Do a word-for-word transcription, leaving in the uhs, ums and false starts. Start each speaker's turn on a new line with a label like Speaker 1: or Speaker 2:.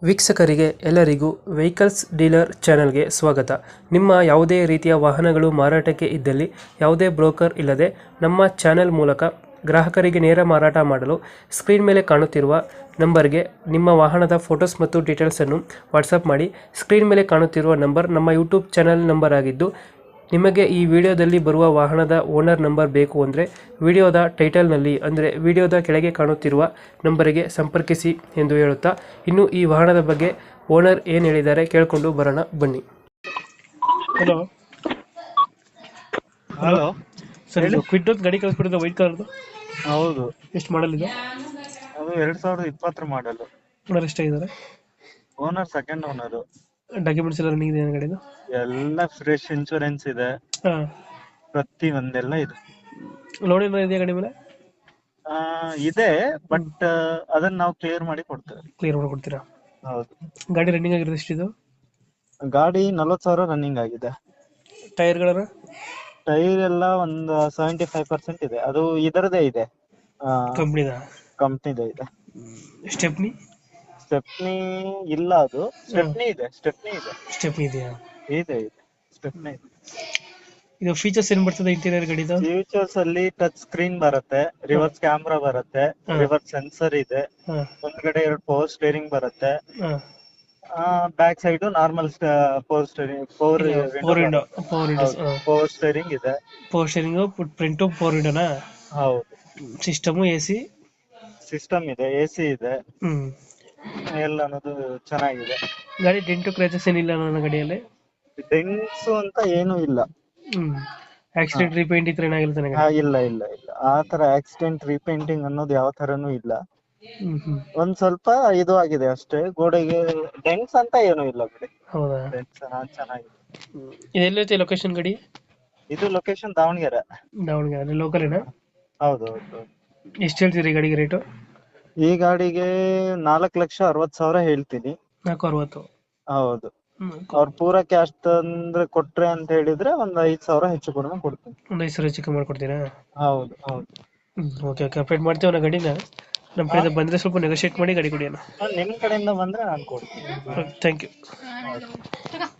Speaker 1: ವೀಕ್ಷಕರಿಗೆ ಎಲ್ಲರಿಗೂ vehicles dealer ಚಾನೆಲ್ಗೆ ಸ್ವಾಗತ. ನಿಮ್ಮ ಯಾವುದೇ ರೀತಿಯ ವಾಹನಗಳು ಮಾರಾಟಕ್ಕೆ ಇದ್ದಲ್ಲಿ ಯಾವುದೇ ಬ್ರೋಕರ್ ಇಲ್ಲದೆ ನಮ್ಮ ಚಾನೆಲ್ ಮೂಲಕ ಗ್ರಾಹಕರಿಗೆ ನೇರ ಮಾರಾಟ ಮಾಡಲು ಸ್ಕ್ರೀನ್ ಮೇಲೆ ಕಾಣುತ್ತಿರುವ ನಂಬರ್ಗೆ ನಿಮ್ಮ ವಾಹನದ ಫೋಟೋಸ್ ಮತ್ತು ಡೀಟೇಲ್ಸನ್ನು ವಾಟ್ಸಪ್ ಮಾಡಿ. ಸ್ಕ್ರೀನ್ ಮೇಲೆ ಕಾಣುತ್ತಿರುವ ನಂಬರ್ ನಮ್ಮ ಯೂಟ್ಯೂಬ್ ಚಾನೆಲ್ ನಂಬರ್ ಆಗಿದ್ದು, ನಿಮಗೆ ಈ ವಿಡಿಯೋದಲ್ಲಿ ಬರುವ ವಾಹನದ ಓನರ್ ನಂಬರ್ ಬೇಕು ಅಂದರೆ ವಿಡಿಯೋದ ಟೈಟಲ್ನಲ್ಲಿ ಅಂದರೆ ವಿಡಿಯೋದ ಕೆಳಗೆ ಕಾಣುತ್ತಿರುವ ನಂಬರಿಗೆ ಸಂಪರ್ಕಿಸಿ ಎಂದು ಹೇಳುತ್ತಾ, ಇನ್ನು ಈ ವಾಹನದ ಬಗ್ಗೆ ಓನರ್ ಏನು ಹೇಳಿದ್ದಾರೆ ಕೇಳಿಕೊಂಡು ಬರೋಣ ಬನ್ನಿ. ಹಲೋ
Speaker 2: ಹಲೋ
Speaker 1: ಸರ್, ಇದು ಕ್ವಿಡ್ ಒಂದು ಗಾಡಿ ಕಳಿಸ್ಬಿಟ್ಟಿದ್ದು ವೈಟ್ ಕಲರ್ದು.
Speaker 2: ಹೌದು,
Speaker 1: ಎಷ್ಟು ಮಾಡಲ್ ಇದೆ?
Speaker 2: ಅದು ಎರಡ್ ಸಾವಿರದ ಇಪ್ಪತ್ತರ ಮಾಡಲ್.
Speaker 1: ಓನರ್ ಎಷ್ಟಾಗಿದ್ದಾರೆ?
Speaker 2: Owner second owner.
Speaker 1: ಡಾಕ್ಯುಮೆಂಟ್ಸ್ ಎಲ್ಲ ರನ್ನಿಂಗ್ ಇದೆ ಗಾಡಿದು?
Speaker 2: ಎಲ್ಲ ಫ್ರೆಶ್ ಇನ್ಶೂರೆನ್ಸ್ ಇದೆ,
Speaker 1: ಹಾಂ.
Speaker 2: ಪ್ರತಿ ಒಂದೆಲ್ಲ ಇದೆ.
Speaker 1: ಲೋನ್ ಏನೋ ಇದೆಯಾ ಗಾಡಿ ಮೇಲೆ?
Speaker 2: ಆ, ಇದೆ, ಬಟ್ ಅದನ್ನ ನಾವು ಕ್ಲಿಯರ್ ಮಾಡಿ ಕೊಡ್ತೇವೆ.
Speaker 1: ಕ್ಲಿಯರ್ ಮಾಡಿಕೊಡ್ತೀರಾ?
Speaker 2: ಹೌದು.
Speaker 1: ಗಾಡಿ ರನ್ನಿಂಗ್ ಆಗಿರೋದು ಎಷ್ಟಿದು?
Speaker 2: ಗಾಡಿ ನಲ್ವತ್ತು ಸಾವಿರ ರನ್ನಿಂಗ್ ಆಗಿದೆ.
Speaker 1: ಟೈರ್ಗಳನ್ನ?
Speaker 2: ಟೈರ್ ಎಲ್ಲ ಒಂದು ಸೆವೆಂಟಿ ಫೈವ್ ಪರ್ಸೆಂಟ್ ಇದೆ. ಅದು ಇದರದೇ ಇದೆ,
Speaker 1: ಕಂಪ್ನಿದ?
Speaker 2: ಕಂಪ್ನಿದೇ ಇದೆ.
Speaker 1: ಸ್ಟೆಪ್ನಿ?
Speaker 2: ಸ್ಟೆಪ್ನಿ ಇಲ್ಲ, ಅದು ಸ್ಟೆಪ್ನಿ ಇದೆ. ಸ್ಟೆಪ್ನಿ ಇದೆ
Speaker 1: ಸ್ಟೆಪ್ನಿ ಇದೆಯಾ?
Speaker 2: ಇದೆ ಇದೆ ಸ್ಟೆಪ್ನಿ ಇದೆ.
Speaker 1: ಇದು ಫೀಚರ್ಸ್ ಏನ್ ಬರ್ತದೆ ಇಂಟೀರಿಯರ್ ಗಾಡಿದು?
Speaker 2: ಫ್ಯೂಚರ್ಸ್ ಅಲ್ಲಿ ಟಚ್ ಸ್ಕ್ರೀನ್ ಬರುತ್ತೆ, ರಿವರ್ಸ್ ಕ್ಯಾಮ್ರಾ ಬರುತ್ತೆ, ರಿವರ್ಸ್ ಸೆನ್ಸರ್ ಇದೆ, ಒಂದ್ಗಡೆ ಎರಡು ಪವರ್ ಸ್ಟೇರಿಂಗ್ ಬರುತ್ತೆ, back side normal power steering, power
Speaker 1: four window power window
Speaker 2: power steering ಇದೆ.
Speaker 1: ಪವರ್ ಸ್ಟೇರಿಂಗ್ ಪ್ರಿಂಟ್ ಪವರ್ ವಿಂಡೋನಾ?
Speaker 2: ಹೌದು.
Speaker 1: ಸಿಸ್ಟಮ್ ಎಸಿ
Speaker 2: ಸಿಸ್ಟಮ್ ಇದೆ, ಎಸಿ ಇದೆ,
Speaker 1: ಹ್ಮ್
Speaker 2: ಎಲ್ಲ ಅನ್ನೋದು ಚೆನ್ನಾಗಿದೆ.
Speaker 1: ಗಾಡಿ ಡೆಂಟು ಕ್ರ್ಯಾಚಸ್ ಏನಿಲ್ಲ ನನ್ನ ಗಾಡಿಯಲ್ಲಿ?
Speaker 2: ಡೆಂಟ್ಸ್ ಅಂತ ಏನು ಇಲ್ಲ.
Speaker 1: ಹ್ಮ್ ಆಕ್ಸಿಡೆಂಟ್ ರೀಪೇಂಟ್ ಇತ್ರ ಏನಾಗಿಲ್ಲ ನನಗೆ?
Speaker 2: ಆ, ಇಲ್ಲ ಇಲ್ಲ ಇಲ್ಲ ಆ ತರ ಆಕ್ಸಿಡೆಂಟ್ ರೀಪೇಂಟಿಂಗ್ ಅನ್ನೋದು ಯಾವ ತರನು ಇಲ್ಲ.
Speaker 1: ಹ್ಮ್ ಹ್ಮ್
Speaker 2: ಒಂದ್ ಸ್ವಲ್ಪ ಇದು ಆಗಿದೆ ಅಷ್ಟೇ, ಗೋಡೆಗೆ. ಡೆಂಟ್ಸ್ ಅಂತ ಏನು ಇಲ್ಲ ಬಿಡಿ.
Speaker 1: ಹೌದಾ?
Speaker 2: ಡೆಂಟ್ಸ್ ಚೆನ್ನಾಗಿದೆ.
Speaker 1: ಇದೆಲ್ಲೈತೆ ಲೊಕೇಶನ್ ಗಾಡಿ?
Speaker 2: ಇದು ಲೊಕೇಶನ್ ದಾವಣಗೆರೆ.
Speaker 1: ದಾವಣಗೆರೆ ಲೋಕಲ್ ಏನಾ?
Speaker 2: ಹೌದು ಹೌದು.
Speaker 1: ಎಷ್ಟು ಹೇಳ್ತೀರಿ ಗಾಡಿಗೆ ರೇಟು?
Speaker 2: ಈ ಗಾಡಿಗೆ ನಾಲ್ಕು ಲಕ್ಷ ಅರವತ್ ಸಾವಿರ ಹೇಳ್ತೀನಿ.
Speaker 1: ನಾಲ್ಕು ಅರವತ್ತು?
Speaker 2: ಹೌದು. ಅವ್ರ ಪೂರ ಕ್ಯಾಶ್ ತಂದ್ರೆ ಕೊಟ್ರೆ ಅಂತ ಹೇಳಿದ್ರೆ ಒಂದ್ ಐದ್ ಸಾವಿರ ಹೆಚ್ಚು ಕಡಿಮೆ ಕೊಡ್ತೀನಿ.
Speaker 1: ಒಂದು ಐದು ಸಾವಿರ ಚಿಕ್ಕ ಮಾಡ್ಕೊಡ್ತೀರಾ?
Speaker 2: ಹೌದು ಹೌದು.
Speaker 1: ಹ್ಮ್ ಓಕೆ ಓಕೆ ಅಪ್ಡೇಟ್ ಮಾಡ್ತೀವಿ ನಾ ಗಾಡಿನ. ನಮ್ಮ ಕಡೆಯಿಂದ ಬಂದರೆ ಸ್ವಲ್ಪ ನೆಗೋಷಿಯೇಟ್ ಮಾಡಿ ಗಾಡಿ ಕೊಡಿ ಅಣ್ಣ.
Speaker 2: ನಿಮ್ ಕಡೆಯಿಂದ ಬಂದ್ರೆ ನಾನು ಕೊಡ್ತೀನಿ.
Speaker 1: Thank you.